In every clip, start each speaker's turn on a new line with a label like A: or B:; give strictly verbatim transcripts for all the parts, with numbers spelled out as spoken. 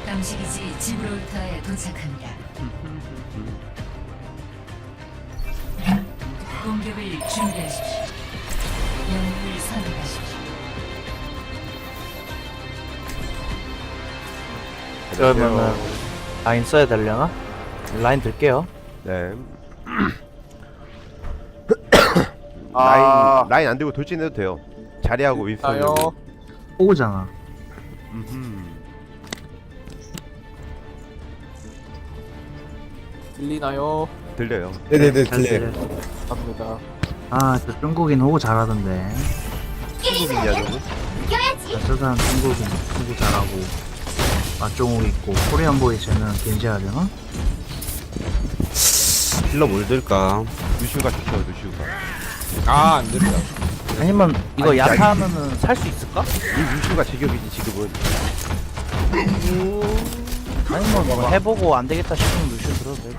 A: 감식이지 지브롤터에 도착합니다. 공격을 준비하십시오. 영웅을 선택하십시오.
B: 그러면은 라인 써야 되려나? 라인 들게요.
C: 네.
D: 아.
C: 라인 라인 안 들고 돌진해도 돼요. 자리하고 윗선.
D: 아요.
B: 오잖아.
D: 들리나요?
C: 들려요.
E: 네네네
B: 잘
E: 들려요.
B: 들려.
D: 갑니다.
B: 아, 저 중국인 호구 잘하던데.
C: 한국인이야 저거?
B: 저 사람 중국인 호구 잘하고 맛종욱 있고 코리안 보이 쟤는 겐지 하려나?
E: 힐러 뭘 들까?
C: 루시우가 좋죠 루시우가.
E: 아 안된다.
B: 아니면 이거
C: 아니,
B: 야타
C: 아니.
B: 하면은 살 수 있을까?
C: 이 루시우가 제격이지 지금은.
B: 아니면 뭐 해보고 안 되겠다 싶으면 루시오 들어도 돼.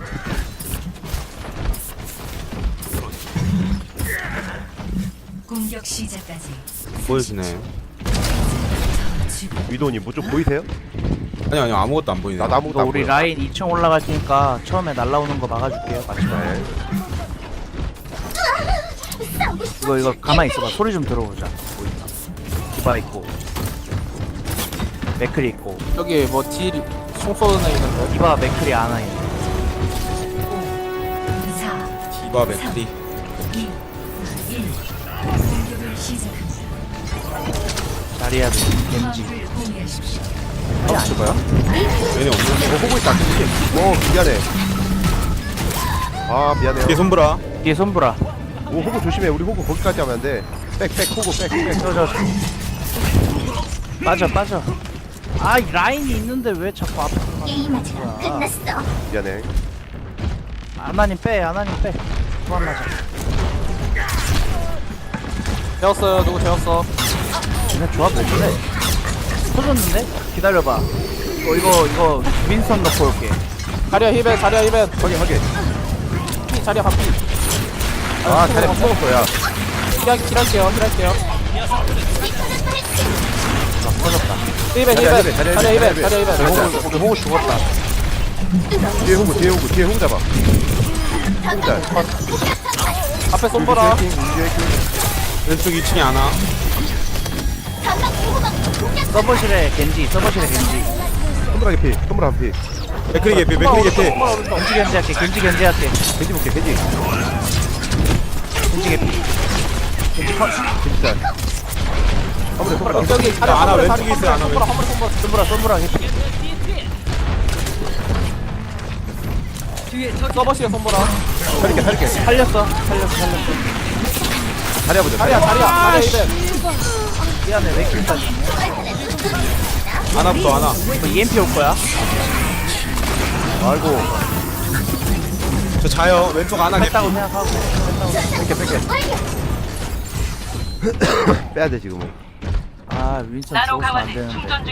A: 공격 시작까지
E: 보여주네.
C: 위도님 뭐 좀 보이세요?
E: 아니 아니 아무것도 안 보이네.
C: 나도 아무것도
B: 이거
C: 안
B: 우리
C: 보여.
B: 라인 이 층 올라갈 테니까 처음에 날라오는 거 막아줄게요. 같이 가요.
C: 네.
B: 이거 이거 가만히 있어봐. 소리 좀 들어보자. 보인다. 디바 있고 맥클이 있고
D: 여기 뭐 딜, 총 쏘는 애 있는데.
B: 디바 맥클이 안와 있네.
A: 사,
E: 디바 맥크리.
A: 이, 일. 공격을 시작합니다.
B: 자리야 겐지.
A: 화물을 공유하십시오.
B: 아니 아닌가요?
E: 얘네 없는데.
C: 어 보고 있다. 오 미안해. 아 미안해요.
E: 뒤에 손보라.
B: 뒤에 손보라.
C: 오 호구 조심해. 우리 호구 거기까지 하면 안 돼. 백백 호구 백백.
B: 저저 빠져 빠져. 아 이 라인이 있는데 왜 자꾸 앞으로 가는 거야?
C: 미안해.
B: 아나님 빼 아나님 빼. 그만 맞아.
D: 재웠어요. 누구 재웠어?
B: 쟤네 조합 왜 그래? 터졌는데? 기다려봐. 이거 이거 이거 윈선 넣고 올게.
D: 자리야 힐벤, 자리야 힐벤.
C: 확인 확인.
D: 피, 자리야 반피.
C: 아 자리 못 먹을 거야.
D: 힐할, 힐할게요, 힐할게요.
B: 터졌다.
D: 힐벤,
C: 자리야,
D: 힐벤.
C: 자리야,
D: 자리야 힐벤,
C: 자리야,
D: 자리야
C: 자리야.
D: 힐벤.
B: 호구 호구 죽었다.
C: 뒤에 호구 뒤에 호구 뒤에 호구 잡아. 호구 잘.
D: 앞에 손보라.
E: 왼쪽 이 층에 하나.
B: 서버실에 겐지 서버실에 겐지.
C: 손브라 개피. 손브라 한 피.
E: 맥크리 개피 맥크리 개피.
B: 겐지 겐지 할게 겐지 겐지 할게.
C: 겐지 볼게 겐지.
B: 겐지 개피.
C: 겐지 컷. 겐지 잘. 아무래 손브라.
D: 여기 자리야
E: 야, 하나
D: 한 번에
E: 왼쪽에 있어요, 하나
D: 손보라, 한 번에 손보라.
B: 손보라 손보라 개피.
D: 서버시에 손보라.
C: 살릴게 살릴게.
B: 살렸어 살렸어 살렸어.
C: 자리 해보자.
D: 자리야, 자리야, 자리야 힐벤.
B: 미안해 왜 이렇게
E: 하나부터 하나.
B: 이거 이엠피 올 거야?
C: 아이고.
E: 저 자요. 왼쪽 하나 개피.
B: 했다고 생각하고.
C: 뺄게 뺄게. 빼야 돼 지금은.
B: 아 윈선 죽었으면 안 되는데.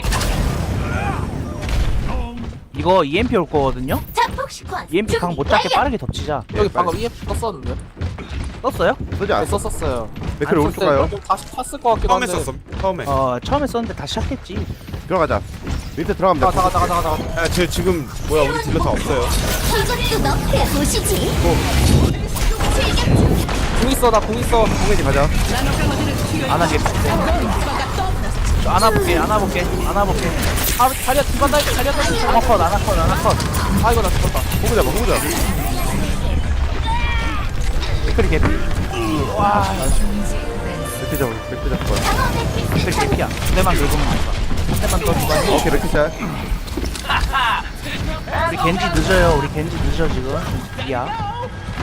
B: 이거 이엠피 올 거거든요? 이엠피 강 못 잡게 빠르게 덮치자.
D: 여기
C: 빨리.
D: 방금 이에프 떴었는데.
B: 떴어요?
C: 쓰지
D: 네,
C: 않았어.
D: 썼었어요.
C: 맥클 오른쪽 가요.
D: 좀 다시 탔을 것 같기도
E: 처음에
D: 한데.
E: 썼어. 처음에.
B: 어 처음에 썼는데 다시 시작했지.
C: 들어가자. 밑에 들어가면
D: 자,
C: 돼.
D: 자가, 자가, 자가, 자가.
E: 야, 쟤 지금 뭐야 우리 딜러 다 없어요.
D: 궁 있어, 나 궁 있어.
C: 홍해지 가자.
B: 안 하게. 안 와볼게 안 와볼게 안 와볼게.
D: 아, 자리야 뒤만 달게, 자리야 달게.
B: 아나컷 아나컷 아나컷.
D: 아, 이거 나 죽었다.
C: 호구 잡아 호구 잡아.
B: 댓글이 개피. 와
C: 맥클 잡아 맥클 잡을 거야.
B: 댓글 개피야. 두 대만 긁으면 된다. 한 대만 더 주고.
C: 오케이 맥클 잘.
B: 우리 겐지 늦어요. 우리 겐지 늦어 지금. 이야.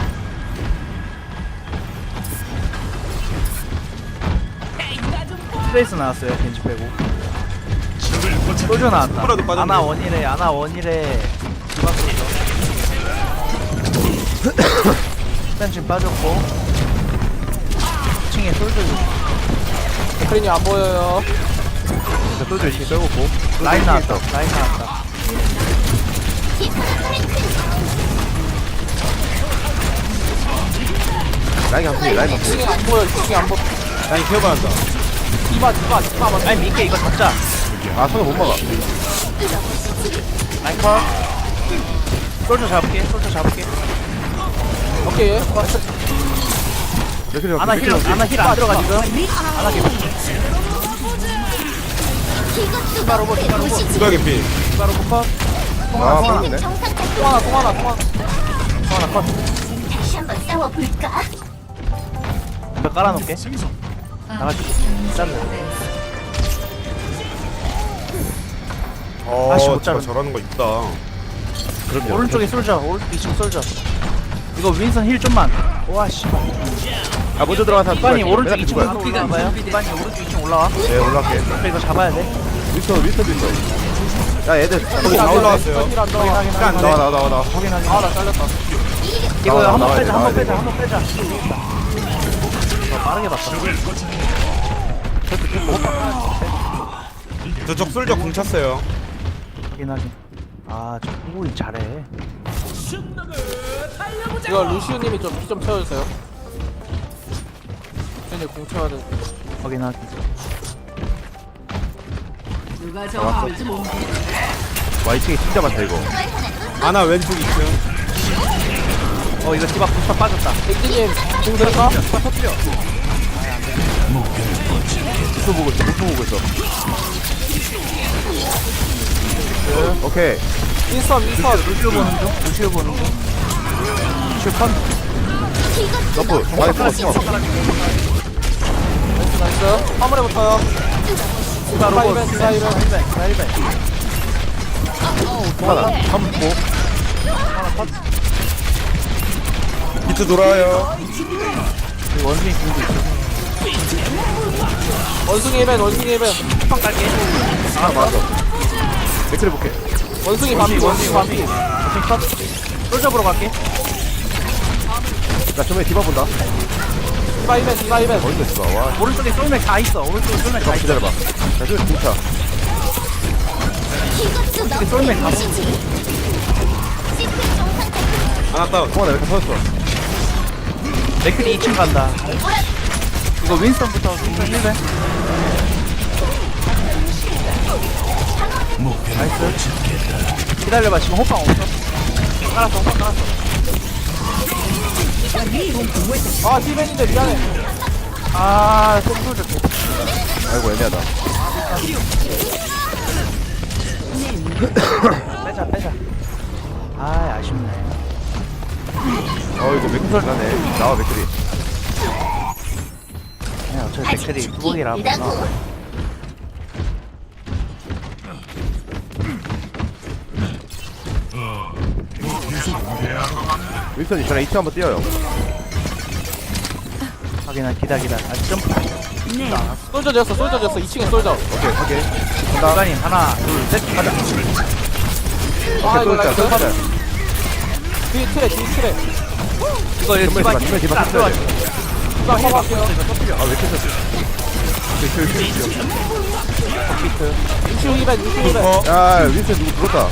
B: 트레이스 나왔어요. 겐지 빼고. 소주 나왔다.
E: 손보라도 빠졌네.
B: 아나 원이래. 아나 원이래. 디바 소주. 일단 지금 빠졌고. 이 층에 솔드
D: 크린이 안 보여요.
C: 자 소주 열심히 떨고고.
B: 라인 나왔다. 라인 나왔다.
C: 라인 한 피. 라인 한 피.
D: 층이 안 보여, 층이 안 보여.
E: 라인 케어 받았다.
D: 디바, 디바, 디바. 맞아.
B: 아니 미케 이거 잡자.
C: 아 손을 못 막아.
B: 컷. 솔저 잡을게. 솔저 잡을게.
D: 오케이.
C: 맥크리
B: 아나 힐, 아나 힐 안 들어가 지금. 아나 힐.
F: 이것도 너의 도시지.
E: 누가 개피?
B: 바로 컷.
C: 아 빨랐네.
F: 정상 같은
D: 통 하나, 통 하나, 통 하나.
B: 하나 컷.
F: 다시 한번 싸워볼까?
B: 벽 깔아놓을게. 나가지. 잘라.
E: 어,
B: 아씨, 못
E: 저거
B: 자르네.
E: 저러는 거 있다.
C: 그럼요.
B: 오른쪽에 솔저. 오른쪽 이층 솔저. 이거 윈선 힐 좀만. 와 씨발.
C: 아 먼저 들어가서
B: 이반이 오른쪽
C: 내가
B: 이 층
C: 거야.
B: 올라와봐요. 이반이 오른쪽 이 층 올라와.
C: 네 올라갈게.
B: 그래 이거 잡아야 돼.
C: 윈스턴 윈스턴도 있어. 야 얘들
E: 거기 다 올라왔어요.
D: 힐안 들어가.
C: 나와 나와 나와 나와.
B: 확인하게.
D: 아, 나 잘렸다.
B: 이거
C: 나와,
B: 한번
C: 나와야
B: 빼자.
C: 돼,
B: 한번
C: 나와야
B: 빼자.
C: 돼.
B: 한번 빼자. 어, 빠르게 봤다. 저렇게 좀 못 봤다.
E: 저쪽 솔저 궁 찼어요.
B: 확인하게. 아, 저 후보인 잘해.
D: 이거 루시우님이 좀 피 좀 채워주세요. 쟤네 공 채워야 돼.
B: 확인하게.
C: 와 이층에 진짜 많다 이거.
E: 아나 왼쪽 이 층.
B: 어, 이거 디바 부스터 빠졌다.
D: 백지님 공 들을까?
C: 목표 보고 있어. 목표 보고 있어. 오케이.
D: 인스턴, 인스턴.
B: 루시오 보는 중. 루시오 보는 중. 루시오 컷.
C: 너프. 많이 뽑았어.
D: 나이스. 화물에 붙어요.
B: 디바
D: 디바
B: 로봇.
D: 이벤, 디바 이벤.
B: 디바 이벤.
C: 하나. 삼 보.
E: 비트 돌아요.
B: 이거 원숭이 궁도 있어.
D: 원숭이 이벤, 원숭이 이벤.
B: 방 갈게.
C: 하나 맞았어. 맥크리 볼게.
D: 원숭이 반피, 원숭이 반피.
B: 원숭이 컷. 솔저 보러 갈게.
C: 나 저번에 디바 본다.
D: 디바 이벤, 디바 이벤.
C: 어디서 있어? 와.
B: 오른쪽에 쏠맥 다 있어. 오른쪽에 쏠맥 다 있어.
C: 기다려봐. 나 저기 진짜.
F: 이것도 너의
B: 쏠맥 다
F: 도시지. 시스템 정상 같은
E: 아나 다운.
C: 동아 나 이렇게 터졌어.
B: 맥클이 이 층 간다. 이거 윈스턴부터 윈스턴 힐 배. 나이스. 기다려봐. 지금 호빵 없어. 깔았어. 호빵 깔았어.
D: 아, 디벤인데 미안해.
B: 아, 손소저.
C: 아이고 애매하다.
B: 빼자, 빼자. 아, 아쉽네.
C: 어 이거 맥크리 나네. 나와 맥크리.
B: 그냥 어차피 맥클이 뚜벅이라 하면
F: 일이라고.
C: 윈스턴이 저랑 이 층 한번 뛰어요.
B: 확인하 기다 기다. 아, 점프.
D: 솔저 되었어, 솔저 되었어. 이 층에 솔저.
C: 오케이 오케이.
B: 기관님 하나, 둘, 셋, 가자.
D: 아, 이거
C: 또 있다. 또
D: 나이스.
C: 있다.
D: 뒤 트레, 뒤 트레.
B: 이거 이거
C: 정말
B: 디바
C: 디바, 디바,
B: 안
C: 디바
B: 들어가지.
D: 디바 커버할게요.
C: 아왜 이렇게 쳤어?
D: 루시우 이벤, 루시우 이벤.
E: 어?
C: 야 윈스턴 누구 죽었다.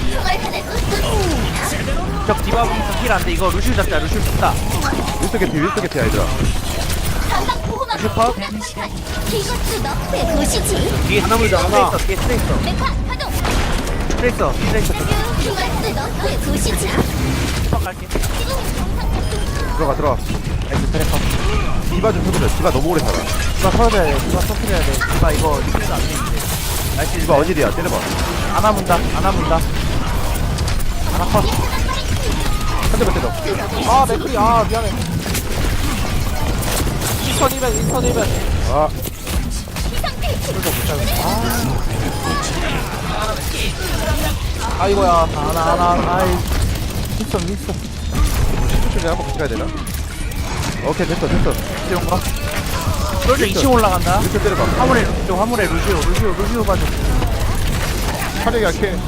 B: 적 디바 보면서 힐 안 돼. 이거 루시우 잡자. 루시우 잡다.
C: 윈스턴 개피 윈스턴 개피야 얘들아.
F: 반박 보호막
B: 슈퍼.
F: 이것도 너의 도시지.
B: 뒤에 하나물도 하나. 뒤에 트레이서.
F: 메카 가동.
B: 트레이서. 트레이서.
F: 이것도 너의 도시지.
B: 슈퍼 갈게.
C: 들어가 들어가.
B: 나이스 트레이서.
C: 디바 좀 쳐보자. 디바 너무 오래 살아.
B: 디바 터져야 돼. 디바 터트려야 돼. 디바 이거 리필도 안 돼. 이제. 나이스.
C: 디바 어디야? 때려봐.
B: 안 아문다. 안 아문다. 하나 컷.
C: 한 대만 때려.
D: 아, 맥크리. 아, 미안해. 인스턴 이벤, 인스턴 이벤.
C: 아
D: 아, 이거야.
B: 하나 하나 하나. 아이. 윈스턴 윈스턴.
C: 슈퍼 한번 같이 가야 되나? 오케이 됐어 됐어.
B: 이런 거. 솔저 이 층 올라간다.
C: 윈스턴 때려봐.
B: 화물에 루시오. 화물에 루시오. 루시오. 루시오 봐줘.
C: 차력이 약해.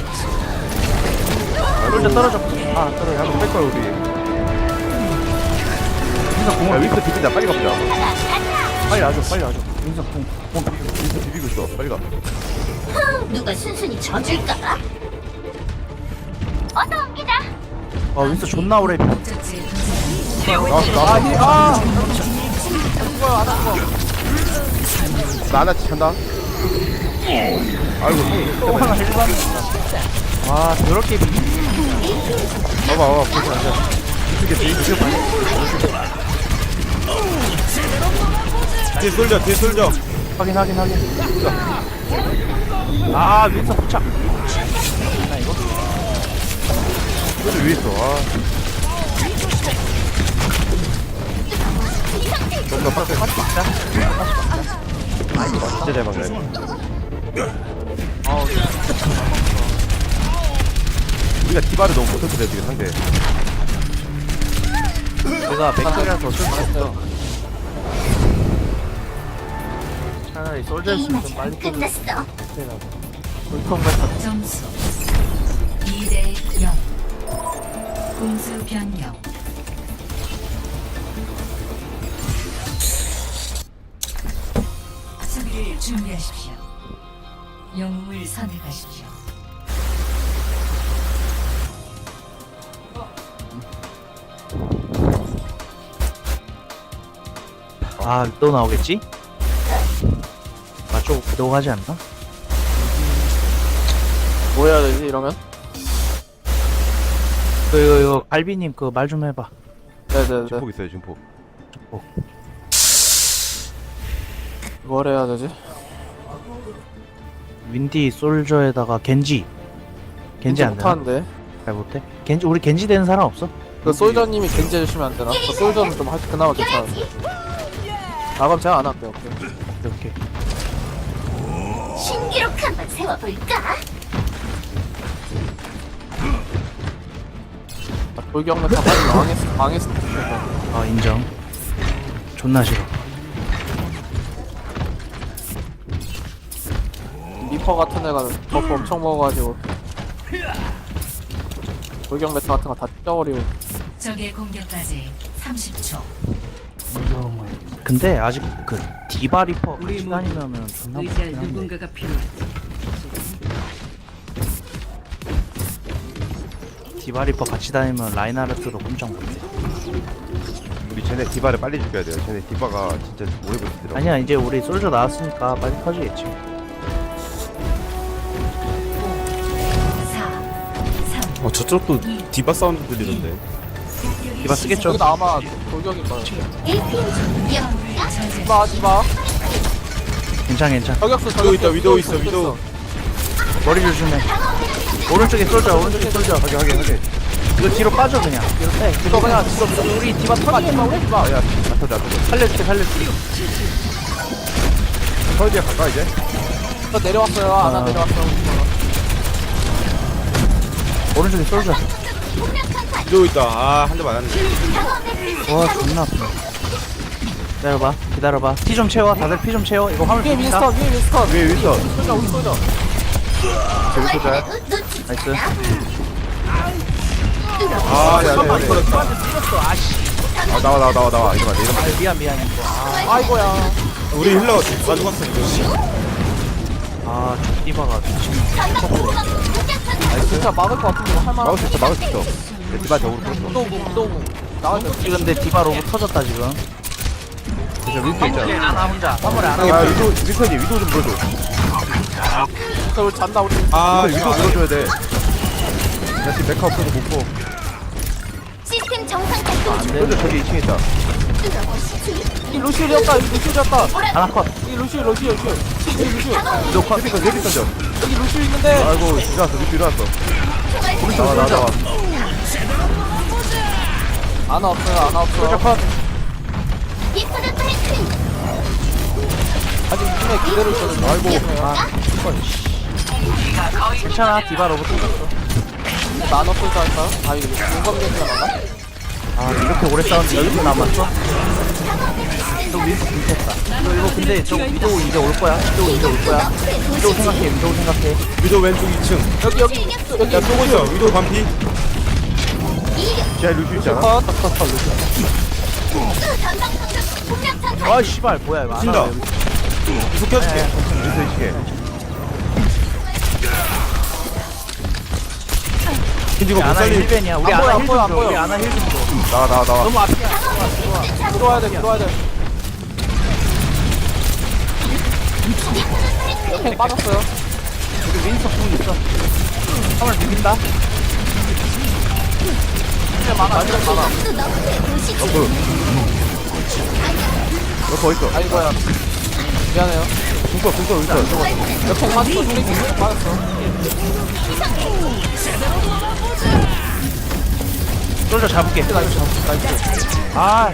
B: 솔저 떨어져. 아 떨어져.
C: 한번 뺄 거야 우리.
B: 윈스턴
C: 야
B: 공을
C: 윈스턴 비빈다. 빨리 가보자.
B: 빨리 와줘. 빨리 와줘. 윈스턴 공. 공.
C: 윈스턴 비비고 있어. 빨리 가.
F: 누가 순순히 져줄까? 어서 옵니다.
B: 아 윈스턴 존나 오래.
A: 목적지에 도착.
C: 나왔어
D: 아,
C: 나왔어.
D: 힐, 아. 이거야, 안 한 거.
C: 나 하나 찬다. 아이고 형이
B: 또 하나 일반. 와 저렇게 비.
C: 봐봐 봐봐 보지 않자 이쪽에 뒤에 뒤에 봐
E: 뒤에 솔져 뒤에 솔져.
B: 확인 확인 확인. 아 윈서 부착. 나 이거.
C: 소주 위에 있어 아 너무나 빡세 진짜 잘 막네
B: 어
C: 우리가 디바를 너무 못해서 그래 지금 상대
B: 제가 백설이라서 어쩔 수 없어. 차라리 솔저였으면 좀 빨리
F: 게임은 끝났어.
B: 물통 같은.
A: 점수 이 대 영. 공수 변경. 수비를 준비하십시오. 영웅을 선택하십시오.
B: 아 또 나오겠지? 맞쪽 구독하지 않나?
D: 뭐 해야 되지 이러면?
B: 그 이거 이거 갈비님 그 말 좀 해봐.
D: 네네네.
C: 증폭 있어요 증폭
D: 뭘 해야 되지?
B: 윈디 솔저에다가 겐지. 겐지 안 되나?
D: 못하는데.
B: 잘 못해? 겐지 우리 겐지 되는 사람 없어?
D: 그 솔저님이 겐지 해주시면 안 되나? 그 솔저는 좀 할, 그나마 괜찮은데. 아 그럼 제가 안 할게요. 오케이.
B: 이렇게.
F: 신기록 한번 세워볼까?
D: 아, 돌격은 다 빨리 망했어. 망했어.
B: 아 인정. 존나 싫어.
D: 리퍼 같은 애가 버프 엄청 먹어가지고 돌격 메타 같은 거 다 찢어버리고.
A: 적의 공격까지 삼십 초.
B: 근데 아직 그 디바 리퍼 같이 다니면은 존나
A: 의지할
B: 무섭긴 한데.
A: 누군가가 필요하지.
B: 디바 리퍼 같이 다니면 라인하르트도 꼼짝 못해.
C: 우리 쟤네 디바를 빨리 죽여야 돼요 쟤네 디바가 진짜 오래 버티더라고
B: 아니야 이제 우리 솔저 나왔으니까 빨리 터지겠지.
A: 사, 삼,
E: 어 저쪽도 디바 사운드 들리던데.
B: 디바 쓰겠죠?
D: 여기도 아마 돌격일 거예요.
F: 일 팀 준비야.
D: 디바 하지 마.
B: 괜찮 괜찮.
D: 저격수
E: 위도우
D: 저격수.
E: 있다 위도우 있어 위도우.
B: 머리 조심해. 오른쪽에 솔저 오른쪽에 솔저.
C: 하게 하게 하게
B: 이거 뒤로 빠져 그냥. 뒤로 빼.
D: 이거 그냥 지금
B: 우리 디바
D: 디바
B: 터지게
D: 디바 우리 디바.
C: 야 아터져 아터져
B: 살려줄게 살려줄게.
C: 서울이야 가까 이제
D: 저 내려왔어요. 안
B: 아.
D: 안 내려왔어요.
B: 오른쪽에 솔저.
E: 위도우 있다. 아 한 대 맞았네.
B: 와 존나 아프네. 기다려봐 기다려봐. 피 좀 채워. 다들 피 좀 채워. 이거 화물
D: 위에
B: 봅니다.
D: 윈스턴 위에 윈스턴.
C: 위에 윈서
D: 솔저 우리 솔저.
C: 저기 쏘자
B: 나이스.
C: 아야야야
B: 아씨.
C: 아 나와 나와 나와 나와 이러면 안 돼, 이러면 안 돼.
B: 미안 미안 이거. 아,
D: 아이고야.
E: 우리 힐러 가져갔어 이거.
B: 아 디바가 미친.
D: 진짜 막을 것 같은데 이거 할만한.
C: 막을 수 있어 막을 수 있어 내 디바 저으로 풀었어
D: 위도우 위도우. 나와줘.
B: 근데 디바 로봇 터졌다 지금.
C: 진짜 윈서 있잖아
B: 아나 혼자. 화물에 안
C: 아
B: 하고.
C: 위도 윈서님 위도 좀 물어줘
D: 저 우리 잔다 우리.
E: 아
C: 위도 물어줘야 돼 나 지금 메카 없어서 못보
F: 시스템 정상 작동 중.
C: 솔저 저기 이 층에 있다
D: 이 루시오였다. 이 루시오였다.
B: 하나 컷.
D: 이 루시오 루시오 루시오. 이 루시오.
C: 위도 컷 헤비 컷 헤비 던져
D: 여기 루시오 있는데.
C: 아이고 일어났어 위도 일어났어 나와 나와 나와
D: 아나 없어요. 아나 없어요.
F: 이쁘다 파이팅.
D: 아직 눈에 그대로 있거든요. 아이고. 아,
B: 괜찮아 디바 로봇 터졌어.
D: 나눠 쏠자 할까요? 아 이거 용감 겐지가 나가?
B: 아 이렇게 오래 싸웠는데 열 분 남았어? 또 윈스 불켰다. 이거 이거 근데 저 위도우 이제 올 거야. 위도우 이제 올 거야. 위도우 생각해 위도우 생각해.
E: 위도우 왼쪽 이 층.
D: 여기 여기 여기
E: 야 쏘고 있어. 위도우 반피.
C: 쟤 루시 있잖아
D: 컷. 컷, 컷, 컷.
B: 아 씨발 뭐야 이거 안
E: 친다.
B: 와. 여기.
E: 계속 켜줄게.
C: 윈서 이시게
E: 킨지가 못
B: 아나
E: 살리.
B: 힐벤이야. 우리
D: 안 보여,
B: 아나
D: 안 보여, 안
B: 힐좀 줘.
D: 보여.
B: 우리 아나 힐좀 줘.
C: 나와 나와 나와
B: 너무 앞이야.
D: 들어와야 돼 들어와야 돼. 옆에 빠졌어요.
B: 우리 윈스턴 궁 있어. 화물 비빈다. 진짜 많아. 완전 많아.
F: 또 너프의 도시지.
C: 너프 너프 어딨어?
D: 아이고야. 미안해요.
C: 궁서 궁서 윈스턴 저거
D: 옆에 맞았어. 소리 계속 맞았어.
B: 솔저 잡을게.
D: 나이스, 나이스.
B: 아,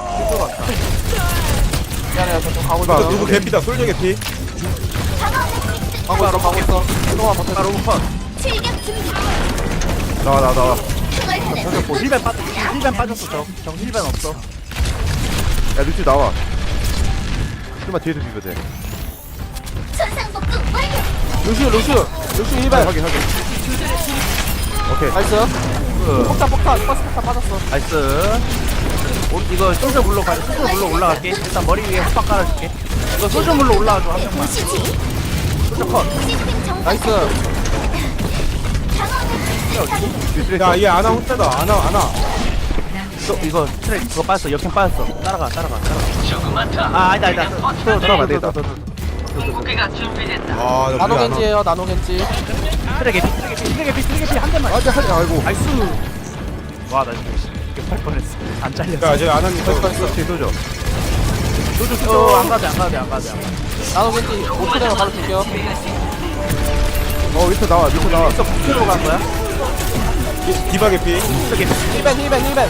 D: 미안해요. 저좀 가고
E: 봐,
D: 있어요.
E: 누구 개피다. 솔저 개피.
D: 가고 있어, 가고 있어. 한동안 버텨.
B: 바로 컷.
F: 출격 준비.
C: 나와 나와 나와.
F: 그걸 하나.
B: 저기 뭐 힐벤 빠졌어. 힐벤 빠졌어. 저, 저 힐벤 없어.
C: 야 루시 나와. 좀만 뒤에서 비벼 돼.
F: 천상복구 완료.
D: 루시우, 루시우. 루시우 일
C: 아,
D: 배
C: 확인 확인. 오케이.
D: 나이스.
B: 그,
D: 폭탄, 폭탄. 버스 폭탄 빠졌어.
B: 나이스. 오, 이거 솔저 물로 가자. 솔저 물로 올라갈게. 일단 머리 위에 헛박 깔아줄게. 이거 솔저 물로 올라와줘. 한 명만.
F: 도시지.
B: 솔저 컷.
F: 시스템 정상.
D: 나이스.
C: 뒤에
E: 야, 얘 아나 혼자다. 아나, 아나.
B: 또 이거 트랙 그거 빠졌어. 역행 빠졌어. 따라가, 따라가, 따라가. 아, 아니다, 아니다. 또
C: 들어가면 되겠다.
E: 아, 나
D: 나노
E: 우리 아나.
D: 겐지에요, 나노 겐지.
B: 트랙 에피, 트랙 에피, 트랙 에피, 트랙 에피 한 대만.
C: 아자 하지 아이고.
B: 나이스. 와, 나 이거 팔 뻔했어. 안 잘렸어.
E: 야, 쟤 아나님 저.
C: 뒤에 쏘죠.
B: 어, 안 가도 돼, 안 가도 돼, 안 가도 돼.
D: 나노 겐지 오프 되면 바로 줄게요.
C: 어 윈스턴 나와 윈스턴 나와.
B: 또 북쪽으로 간 거야?
E: 디바 개피.
B: 트랙 에피.
D: 힐벤, 힐벤, 힐벤.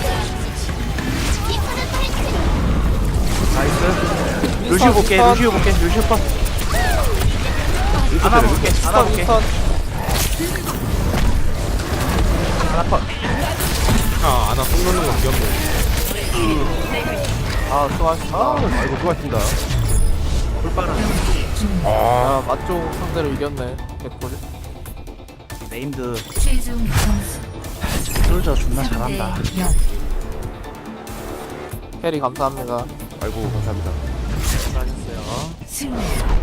B: 나이스. 루시우 볼게, 루시우 볼게, 루시우 컷. 하나 볼게, 하나
D: 윈스턴,
B: 볼게.
D: 윈스턴.
B: 하나 컷.
E: 아, 아나 속 놓는 거 귀엽네.
D: 아, 수고하셨습니다.
C: 아이고 수고하셨습니다.
B: 불빠른.
D: 아, 맞종 상대로 이겼네. 개꿀.
B: 네임드
A: 최종 점수
B: 솔저 존나
A: 삼 대
B: 잘한다.
A: 영.
D: 캐리 감사합니다.
C: 아이고 감사합니다.
B: 수고하셨어요.
A: 승리.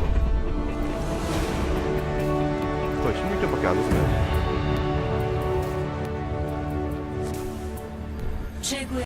C: 거의 십육 점밖에 안 웃으면.
A: 최고의